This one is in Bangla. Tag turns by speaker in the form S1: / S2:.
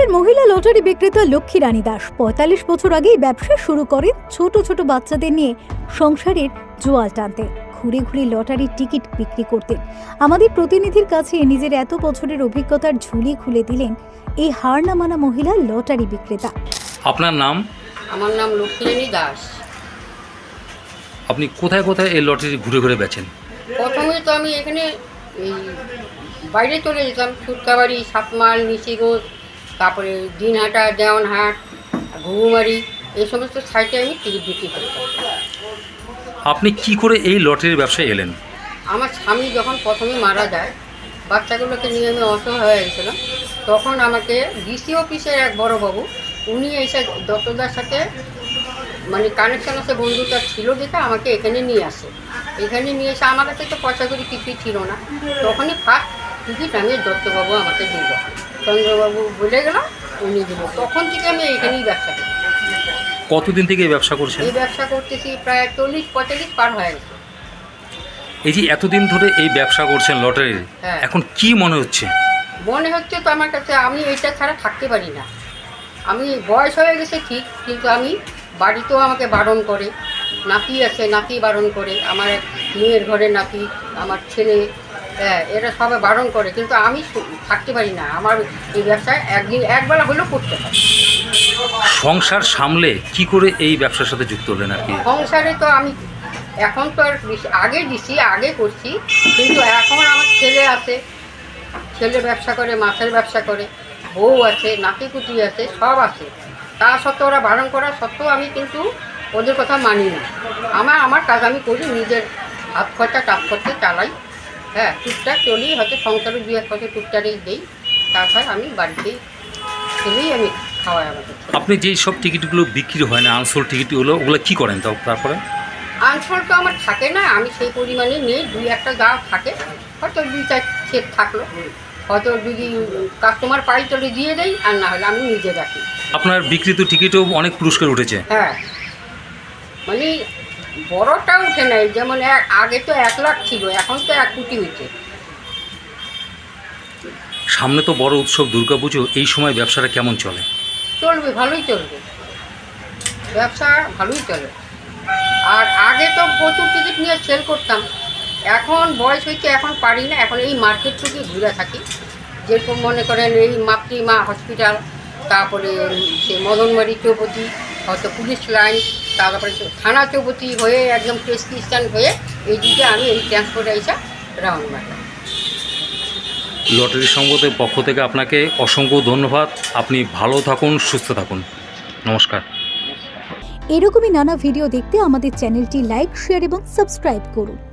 S1: মহিলা লটারি বিক্রেতা লক্ষ্মী রানী দাস ৪৫ বছর আগেই ব্যবসা শুরু করেন ছোট ছোট বাচ্চাদের নিয়ে সংসারের জোয়াল টানতে ঘুরে ঘুরে লটারির টিকিট বিক্রি করতেন। আমাদের প্রতিনিধির কাছে নিজের এত বছরের অভিজ্ঞতার ঝুলি খুলে দিলেন এই হার না মানা মহিলা লটারি বিক্রেতা।
S2: আপনার নাম?
S3: আমার নাম লক্ষ্মী রানী দাস।
S2: আপনি কোথায় কোথায় এই লটারি ঘুরে ঘুরে বেচেন?
S3: প্রথমে তো আমি এখানে এই বাইরে চলে যেতাম, সুটকাবাড়ি, সাতমাল, নিশিগঞ্জ, তারপরে দিনহাটা, দেওয়ানহাট, ঘুঘুমারি, এই সমস্ত সাইটে আমি টিকিট বিক্রি করতাম।
S2: আপনি কি করে এই লটারির ব্যবসায় এলেন?
S3: আমার স্বামী যখন প্রথমে মারা যায়, বাচ্চাগুলোকে নিয়ে আমি অসহায় হয়ে গেছিলাম, তখন আমাকে ডিসি অফিসের এক বড়োবাবু, উনি এসে দত্তদার সাথে মানে কানেকশন আছে, বন্ধুটা ছিল দেখে আমাকে এখানে নিয়ে আসে। এখানে নিয়ে এসে আমার কাছে তো পয়সা করে কিছুই ছিল না, তখনই ফার্স্ট টিকিট আমি দত্তবাবু আমাকে দিল, চন্দ্রবাবু বলে গেল, উনি দিল। তখন থেকে আমি এখানেই ব্যবসা করি।
S2: কতদিন থেকে এই ব্যবসা করছেন?
S3: এই ব্যবসা করতেছি প্রায় 40-45 পার হয়ে গেছে।
S2: এই যে এতদিন ধরে এই ব্যবসা করছেন লটারির,
S3: হ্যাঁ।
S2: এখন কি মনে হচ্ছে?
S3: মনে হচ্ছে তো আমার কাছে আমি এইটা ছাড়া থাকতে পারি না। আমি বয়স হয়ে গেছে ঠিক, কিন্তু আমি বাড়িতেও আমাকে বারণ করে, নাতি আছে, নাতি বারণ করে, আমার এক মেয়ের ঘরে নাতি, আমার ছেলে, হ্যাঁ, এরা সবাই বারণ করে, কিন্তু আমি থাকতে পারি না। আমার এই ব্যবসায় একবেলা হলেও করতে হয়।
S2: সংসার সামলে কি করে এই ব্যবসার সাথে যুক্ত হলেন আর কি?
S3: সংসারে তো আমি এখন তো আর আগে দিছি, আগে করছি, কিন্তু এখন আমার ছেলে আছে, ছেলে ব্যবসা করে, মাছের ব্যবসা করে, বউ আছে, নাতিপুতি আছে, সব আছে। তা সত্ত্বেও ওরা বারণ করা সত্ত্বেও আমি কিন্তু ওদের কথা মানি না। আমার কাজ আমি করি, নিজের হাত খরচা টাপ খরচা চালাই, হ্যাঁ, টুকটাক চলি, হয়তো সংসারে 2-1 পয়সা টুকটাকই দিই, তারপর আমি বাড়িতেই ছেলেই আমি খাওয়াই আমাকে।
S2: আপনি যেই সব টিকিটগুলো বিক্রি হয় না, আনসোল্ড টিকিটগুলো, ওগুলো কি করেন তারপরে?
S3: আনসোল্ড তো আমার থাকে না, আমি সেই পরিমাণে নেই, 2-1টা যা থাকে, হয়তো 2-4 সেট থাকলো, হয়তো যদি কাস্টমার পাই তাহলে দিয়ে দেয়, আর না হলে আমি নিজে রাখি।
S2: আপনার বিক্রিত টিকিটও অনেক পুরস্কার উঠেছে।
S3: হ্যাঁ, মানে বড়টা উঠে নাই, যেমন আগে তো 1 লাখ ছিল, এখন তো 1 কোটি হয়েছে।
S2: সামনে তো বড় উৎসব দুর্গাপুজো, এই সময় ব্যবসাটা কেমন চলে?
S3: চলবে, ভালোই চলবে, ব্যবসা ভালোই চলে। আর আগে তো প্রচুর টিকিট নিয়ে সেল করতাম, এখন বয়স হয়েছে, এখন পারি না, এখন এই মার্কেটটুকু ঘুরে থাকি। যেরকম মনে করেন এই মাতৃমা হসপিটাল, তারপরে সে মদনবাড়ি চৌপতি, হয়তো পুলিশ লাইন, তারপরে থানা চৌপতি হয়ে একদম প্রেসক্রিপশন হয়ে এই দিকে আমি এই ট্রান্সপোর্টে এসে রাউন্ড মারলাম।
S2: লটারি সংঘের পক্ষ থেকে আপনাকে অসংখ্য ধন্যবাদ। আপনি ভালো থাকুন, সুস্থ থাকুন। নমস্কার।
S1: এরকমই নানা ভিডিও দেখতে আমাদের চ্যানেলটি লাইক, শেয়ার এবং সাবস্ক্রাইব করুন।